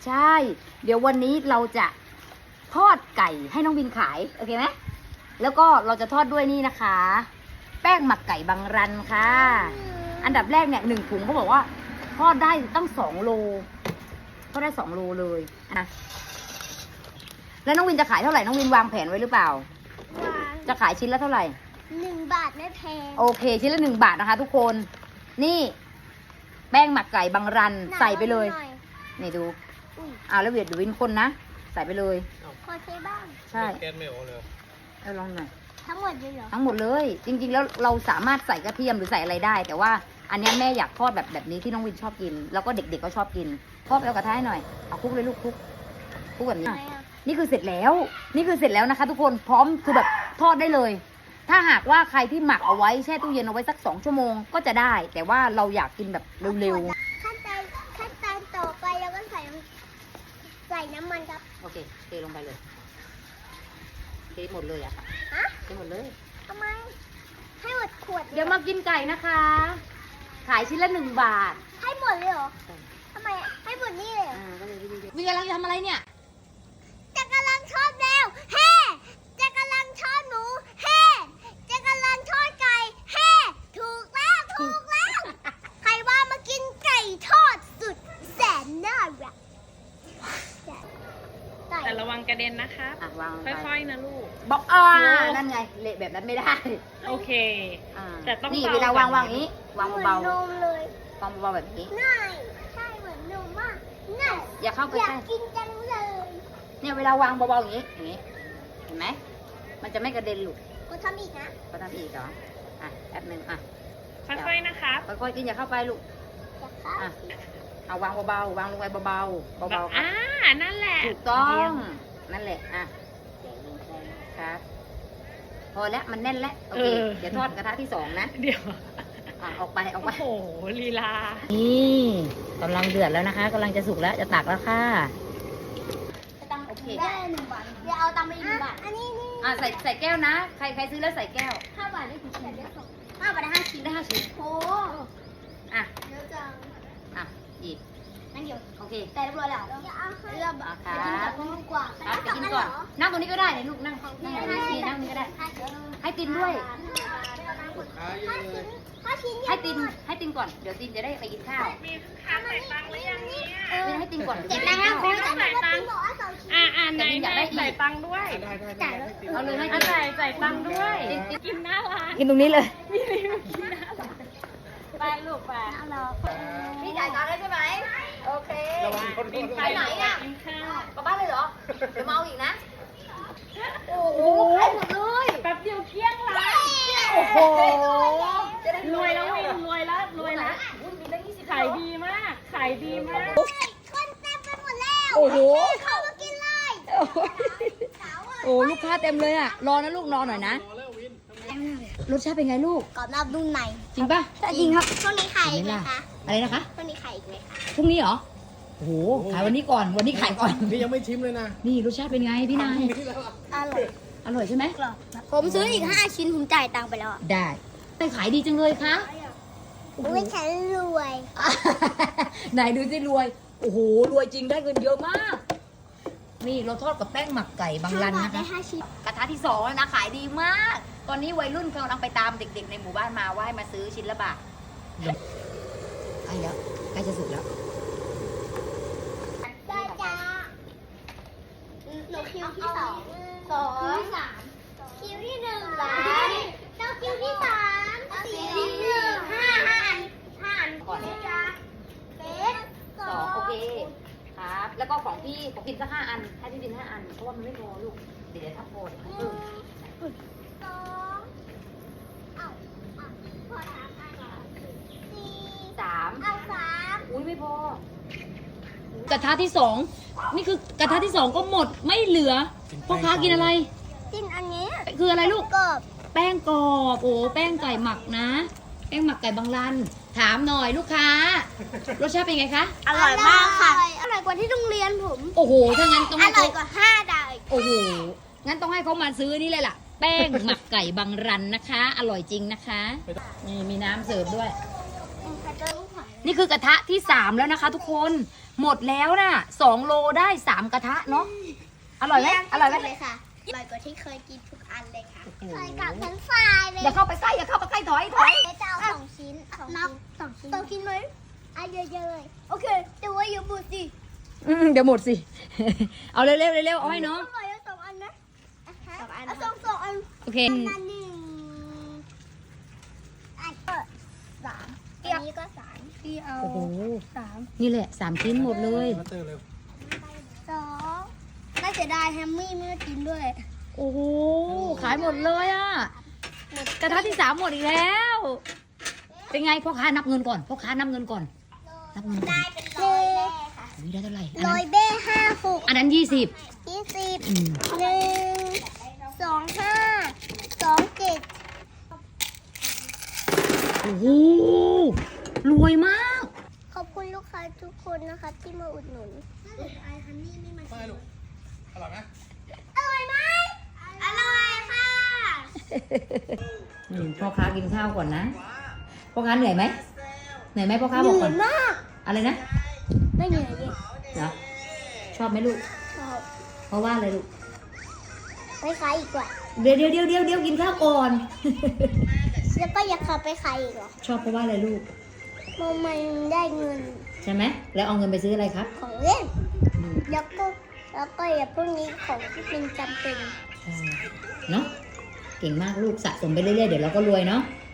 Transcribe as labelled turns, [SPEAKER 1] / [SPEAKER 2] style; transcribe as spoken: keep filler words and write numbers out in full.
[SPEAKER 1] ใช่ เดี๋ยววันนี้เราจะทอดไก่ให้น้องวินขายโอเคไหมแล้วก็เราจะทอดด้วยนี่นะคะ แป้งหมักไก่บางรันค่ะ อันดับแรกเนี่ยหนึ่งถุงเขาบอกว่าทอดได้ตั้งสองโลทอดได้สองโลเลยนะแล้วน้องวินจะขายเท่าไหร่น้องวินวางแผนไว้หรือเปล่า
[SPEAKER 2] วาง
[SPEAKER 1] จะขายชิ้นละเท่าไหร่
[SPEAKER 2] หนึ่งบาทไม่แพง
[SPEAKER 1] โอเคชิ้นละหนึ่งบาทนะคะ ทุกคนนี่แป้งหมักไก่บางรันใส่ไปเลย
[SPEAKER 2] หน่อ
[SPEAKER 1] นี่ดู
[SPEAKER 2] อุ้ย
[SPEAKER 1] อ่าแล้วเวียดดูวินคนนะใส่ไปเลย
[SPEAKER 2] ขอใช้บ้าง
[SPEAKER 1] ใช่
[SPEAKER 3] แก๊สไม่ออกเลย
[SPEAKER 1] เอาลองหน่อย
[SPEAKER 2] ทั้งหมดเลยเหรอ
[SPEAKER 1] ทั้งหมดเลย จริง ๆ แล้วเราสามารถใส่กระเทียมหรือใส่อะไรได้ แต่ว่าอันเนี้ยแม่อยากทอดแบบแบบนี้ที่น้องวินชอบกิน แล้วก็เด็กๆก็ชอบกินทอดแล้วกระทะให้หน่อยเอาคลุกเลยลูกคลุกคลุกแบบนี้
[SPEAKER 2] ทำไมอ่ะ
[SPEAKER 1] นี่คือเสร็จแล้ว นี่คือเสร็จแล้วนะคะ ทุกคนพร้อมคือแบบทอดได้เลย ถ้าหากว่าใครที่หมักเอาไว้แช่ตู้เย็นเอาไว้สักสองชั่วโมงก็จะได้ แต่ว่าเราอยากกินแบบเร็ว
[SPEAKER 2] ขั้นตอนขั้นตอนต่อไปเราก็ใส่ใส่น้ำมันครับ
[SPEAKER 1] ๆโอเคเทลงไปเลยเทหมดเลยอะค่ะ
[SPEAKER 2] ฮะ
[SPEAKER 1] เทหมดเลย
[SPEAKER 2] ทำไมให้หมดขวดล
[SPEAKER 1] เดี๋ยวมากินไก่นะคะ ขายชิ้นละหนึ่งบาท
[SPEAKER 2] ให้หมดเลยเหรอทำไมอะให้หมดนี่เลยเหรอ
[SPEAKER 1] อ่าก็เลยวินกำลังจะทำอะไรเนี่ย
[SPEAKER 2] จะกำลังทอดแล้วเฮ้จะกำลังทอดหมูเฮ้จะกำลังทอดไก่เฮ้ถูกแล้วถูกแล้ว ใครว่ามากินไก่ทอดสุดแสนน่ารักไก่
[SPEAKER 4] แต่ระวังกระเด็นนะคะ
[SPEAKER 1] อ่ะวางลงไป
[SPEAKER 4] ค่อยๆนะลูก
[SPEAKER 1] บอกอ่า
[SPEAKER 4] โอ้
[SPEAKER 1] นั่นไงเละแบบนั้นไม่ได้
[SPEAKER 4] โอเค
[SPEAKER 1] อ่า
[SPEAKER 4] แต่ต้อง
[SPEAKER 1] นี่
[SPEAKER 4] เบา
[SPEAKER 1] เวลาวาง
[SPEAKER 4] แบบ
[SPEAKER 1] วางอย่างนี้ วาง
[SPEAKER 2] เหมือน
[SPEAKER 1] เบาน
[SPEAKER 2] มเลย
[SPEAKER 1] ๆวางเบาๆแบบนี้
[SPEAKER 2] ง่ายใช่เหมือนนมมากง่าย
[SPEAKER 1] อย่าเข้าไป
[SPEAKER 2] อยา
[SPEAKER 1] ใก
[SPEAKER 2] ก
[SPEAKER 1] ล้
[SPEAKER 2] กินจังเลย
[SPEAKER 1] เนี่ยเวลาวางเบาๆอย่างนี้อย่างนี้เห็นไหมมันจะไม่กระเด็นหลุด
[SPEAKER 2] กูทำอีกนะ
[SPEAKER 1] ก็ทำอีกเหรออ่ะแป๊บหนึงอ่ะ
[SPEAKER 4] ค่อยๆนะครับ
[SPEAKER 1] ค่อยๆกินอย่าเข้าไปลูก
[SPEAKER 2] อยากครับ
[SPEAKER 1] อ่ะเอาวางเบาๆวางลงไปเบาๆเบาๆครั
[SPEAKER 4] อ่า
[SPEAKER 1] บ
[SPEAKER 4] นั่นแหละ
[SPEAKER 1] ถูกต้อ
[SPEAKER 4] เยี่ย
[SPEAKER 1] ง
[SPEAKER 4] ม
[SPEAKER 1] นั่นแหละอ่ะครับพอแล้วมันแน่นแล้วโอเคเดี๋ยวทอดกระทะที่สองนะ
[SPEAKER 4] เดี๋ยว
[SPEAKER 1] อ่ะออกไปออกไป
[SPEAKER 4] โอ้โหลีลา
[SPEAKER 1] นี่กำลังเดือดแล้วนะคะกำลังจะสุกแล้วจะตักแล้วค่ะตั้งโอเค
[SPEAKER 2] ได้หนึ่งบาทเดี๋ยวเอาตังค์ไปอีกหนึ่งบาทอันนี้นี่
[SPEAKER 1] อ่ะใส่ใส่แก้วนะ ใครใครซื้อแล้วใส่แก้ว
[SPEAKER 2] ห้าบาทได้กี่ชิ้นได้สองห้าบาทได้ห้าชิ้น
[SPEAKER 1] ได้ห้าชิ้น
[SPEAKER 2] โอ้
[SPEAKER 1] อ่ะ
[SPEAKER 2] เยอะจัง
[SPEAKER 1] อ่ะอีก
[SPEAKER 2] นั่นเดียว
[SPEAKER 1] โอเค
[SPEAKER 2] แต่เรียบร้อยแล้วอย่าเอาให้เลือก
[SPEAKER 1] อ่ะค
[SPEAKER 2] ไป
[SPEAKER 1] รับ
[SPEAKER 2] กินกับนมกว่า
[SPEAKER 1] ครับไปกินก่อน นั่งตรงนี้ก็ได้เนี่ยลูกนั่งนั่งนั่งนี่นั่งนี่ก็ได้ ให้ตินด้วย
[SPEAKER 2] ห้าชิ้น
[SPEAKER 1] ให้ตินให้ตินก่อนเดี๋ยวตินจะได้ไปกินข้าว
[SPEAKER 4] มีค่าใส่ตังค์หรือยังเนี่ย
[SPEAKER 1] ไม่ได้ให้ตินก่อน
[SPEAKER 2] เจ็ด
[SPEAKER 1] เดี๋
[SPEAKER 2] แล้
[SPEAKER 1] ยว ว
[SPEAKER 2] คุ
[SPEAKER 1] กิน
[SPEAKER 2] ณ
[SPEAKER 1] ข้าว
[SPEAKER 2] ต้องใส่ตังค์บอกว่าสองชิ้น
[SPEAKER 4] อ่าอ่าไหน
[SPEAKER 1] แต่พี่อยากได้อีก
[SPEAKER 4] ใส่ตังค์ด้วย
[SPEAKER 3] ได้ได้ได้ได้
[SPEAKER 1] เอาเลยให้
[SPEAKER 4] อ่ะ
[SPEAKER 1] ติน
[SPEAKER 4] ใส่ใส่ตังค์ด้วย กินหน้าร้าน
[SPEAKER 1] กินตรงนี้เลย
[SPEAKER 4] มีรีวิวกินหน้าร้านไปลูกไป
[SPEAKER 2] เอาเหรอ
[SPEAKER 1] พี่จ่ายตังค์แล้วใช่ไหมโอเค
[SPEAKER 3] ระวังคน
[SPEAKER 4] กิน
[SPEAKER 3] ๆ
[SPEAKER 4] ไป
[SPEAKER 1] ไหนอะ
[SPEAKER 4] กินข้าว
[SPEAKER 1] กลับบ้านเลยเหรอเดี๋ยวมาเอาอีกนะโอ้โหขายหมดเลย
[SPEAKER 4] แป๊บเดียวเกลี้ยงร้าน
[SPEAKER 1] โอ้โห
[SPEAKER 4] รวยแล้ววินรวยแล้วรวยแล้ว
[SPEAKER 1] อุ้ยมีตั้งยี่สิบ
[SPEAKER 4] ขายดีมาก ขายดีมาก
[SPEAKER 2] คนเต็มไปหมดแล้ว
[SPEAKER 1] โอ้โห
[SPEAKER 2] เข้ามากินเลยสาวอ่ะ
[SPEAKER 1] โอ้ลูกค้าเต็มเลยอ่ะ รอนะลูกรอหน่อยนะ รสชาติเป็นไงลูก
[SPEAKER 2] กรอบนอกนุ่มใน
[SPEAKER 1] จริงป่ะ
[SPEAKER 2] จริงครับช่วงนี้ขายอีกไหมคะ
[SPEAKER 1] อะไรนะคะ
[SPEAKER 2] ช่วงนี้ขายอีกไหมคะ
[SPEAKER 1] พรุ่งนี้เหรอ โอ้โห ขายวันนี้ก่อน วันนี้ขายก่อน
[SPEAKER 3] นี่ยังไม่ชิมเลยนะ
[SPEAKER 1] นี่รสชาติเป็นไงพี่นาย
[SPEAKER 3] นี่แล้วอะ
[SPEAKER 2] อร่อย
[SPEAKER 1] อร่อยใช่ไหม
[SPEAKER 2] กรอบผมซื้ออีกห้าชิ้นผมจ่ายตังค์ไปแล้วอ่ะ
[SPEAKER 1] ได้แต่ขายดีจังเลยคะ
[SPEAKER 2] ไม่ฉันรวย
[SPEAKER 1] ไหนดูสิรวย โอ้โห รวยจริงได้เงินเยอะมาก นี่เราทอดกับแป้งหมักไก่บางรัน
[SPEAKER 2] ห้าบาท
[SPEAKER 1] นะ
[SPEAKER 2] ได้
[SPEAKER 1] คะ
[SPEAKER 2] ห้าชิ้น
[SPEAKER 1] กระทะที่สองแล้วนะขายดีมาก ตอนนี้วัยรุ่นกำลังไปตามเด็กๆในหมู่บ้านมาว่าให้มาซื้อชิ้นละบาทใกล้แล้วใกล้จะสุกแล้ว
[SPEAKER 2] จ้าจ้าหนูคิวที่สองสองคิวที่สามคิวที่หนึ่งหลานต้องคิวที่สามสี่ที่หนึ่งห้าห้าอันห้าอัน
[SPEAKER 1] ก่อน
[SPEAKER 2] จ้าเป็ดส
[SPEAKER 1] ส
[SPEAKER 2] อ
[SPEAKER 1] อง
[SPEAKER 2] ง
[SPEAKER 1] โอเคครับ แล้วก็ของพี่ของพินสักห้าอันให้พี่พินห้าอัน เพราะว่ามันไม่พอลูก เดี๋ยวถ้าพอเดี๋ยวค่อยเพิ่ม
[SPEAKER 2] สองเอาเอาพอสามอันเหรอสี่
[SPEAKER 1] สาม
[SPEAKER 2] เอาสาม
[SPEAKER 1] อุ้ยไม่พอ กระทะที่สองนี่คือกระทะที่สองก็หมดไม่เหลือพ่อค้ากินอะไร
[SPEAKER 2] กินอันนี้
[SPEAKER 1] คืออะไรลูก
[SPEAKER 2] กรอบ
[SPEAKER 1] แป้งกรอบโอ้แป้งไก่หมักนะ แป้งหมักไก่บางรัน ถามหน่อยลูกค้ารสชาติเป็นไงคะ
[SPEAKER 2] อร่อยมากค่ะ อร่อยกว่าที่โรงเรียนผม
[SPEAKER 1] โอ้โหถ้างั้นต้อง
[SPEAKER 2] อ
[SPEAKER 1] ให้
[SPEAKER 2] ร่อ
[SPEAKER 1] เขา
[SPEAKER 2] ยกว่าห้าดาวอีก
[SPEAKER 1] โอ้โหงั้นต้องให้เขามาซื้อนี่เลยล่ะ แป้งหมักไก่บางรันนะคะ อร่อยจริงนะคะนี่มีน้ำเสิร์ฟด้วย
[SPEAKER 2] กระเจิงหอย
[SPEAKER 1] นี่คือกระทะที่สามแล้วนะคะ ทุกคนหมดแล้วนะสองโลได้สามกระทะเนาะอร่อยไหมอร่อยไหม
[SPEAKER 2] เลยค่ะอร่อยกว่าที่เคยกินทุกอันเลยค่ะ
[SPEAKER 1] โอ้โห
[SPEAKER 2] เคยกับทั้งฟรายเลย
[SPEAKER 1] อย่าเข้าไปใกล้อย่าเข้าไปใกล้ถอยถอย
[SPEAKER 2] เดี๋ยวจะเอาสองชิ้นสองชิ้นสองชิ้นสองชิ้นไหมอ่ะเยอะๆเลยโอเคแต่ว่าอย่าบูดสิ
[SPEAKER 1] อืมเดี๋ยวหมดสิ เอาเร็วๆเร็วๆเอาให้น้อง
[SPEAKER 2] อร่อยเอาสองอันนะสองอันเอาสองสองอัน
[SPEAKER 1] โอเค
[SPEAKER 2] อันละหนึ่งอันก็สามอันนี้ก็สามพี่เอา
[SPEAKER 1] โอ้โห
[SPEAKER 2] สาม
[SPEAKER 1] นี่แหละสามชิ้นหมดเลย
[SPEAKER 3] มาเตอร์เร็ว
[SPEAKER 2] สองน่าเสียดายแฮมมี่ไม่ได้กินด้วย
[SPEAKER 1] โอ้โหขายหมดเลยอ่ะกระทะที่สามหมดอีกแล้ว เป็นไงพ่อค้านับเงินก่อนพ่อค้านับเงินก่อนนับเงินก่อน
[SPEAKER 2] ได้เป็นร้อยแม่ค่ะ
[SPEAKER 1] อุ๊ยได้เท่าไหร่อัน
[SPEAKER 2] ร้
[SPEAKER 1] นั้
[SPEAKER 2] อย
[SPEAKER 1] น
[SPEAKER 2] เบ้ห้าหก
[SPEAKER 1] อันนั้นยี่สิบ
[SPEAKER 2] ยี่สิบ
[SPEAKER 1] อืม
[SPEAKER 2] หนึ่งสองห้าสองเจ็ด
[SPEAKER 1] โอ้โหรวยมาก
[SPEAKER 2] ขอบคุณลูกค้าทุกคนนะคะที่มาอุดหนุนไอฮันนี่ไม่มา
[SPEAKER 3] ไปลูกอร่อยไหม
[SPEAKER 2] อร่อยไหมอร่อยค่ะ
[SPEAKER 1] อืมพ่อค้ากินข้าวก่อนนะพ่อค้าเหนื่อยไหมเหนื่อยไหมพ่อค้าบอกก่อน
[SPEAKER 2] มาก
[SPEAKER 1] อะไรนะ
[SPEAKER 2] ไม่เหนื่อยเลย
[SPEAKER 1] เหรอชอบไหมลูก
[SPEAKER 2] ชอบ
[SPEAKER 1] เพราะว่าอะไรลูก
[SPEAKER 2] ไปขายอีกว่า
[SPEAKER 1] เดี๋ยวเดี๋ยวเดี๋ยวเดี๋ยวเดี๋ยวกินข้าวก่อน
[SPEAKER 2] แล้วก็อยากขับไปขายอีกเหรอ
[SPEAKER 1] ชอบเพราะว่าอะไรลูก
[SPEAKER 2] เพราะมันได้เงิน
[SPEAKER 1] ใช่ไหมแล้วเอาเงินไปซื้ออะไรครับ
[SPEAKER 2] ของเล่น
[SPEAKER 1] อืม
[SPEAKER 2] แล้วก็แล้วก็อย่าพวกนี้ของที่เป็นจำเป็น
[SPEAKER 1] ใช่เนาะเก่งมากลูกสะสมไปเรื่อยๆเดี๋ยวเราก็รวยเนาะ
[SPEAKER 2] ใ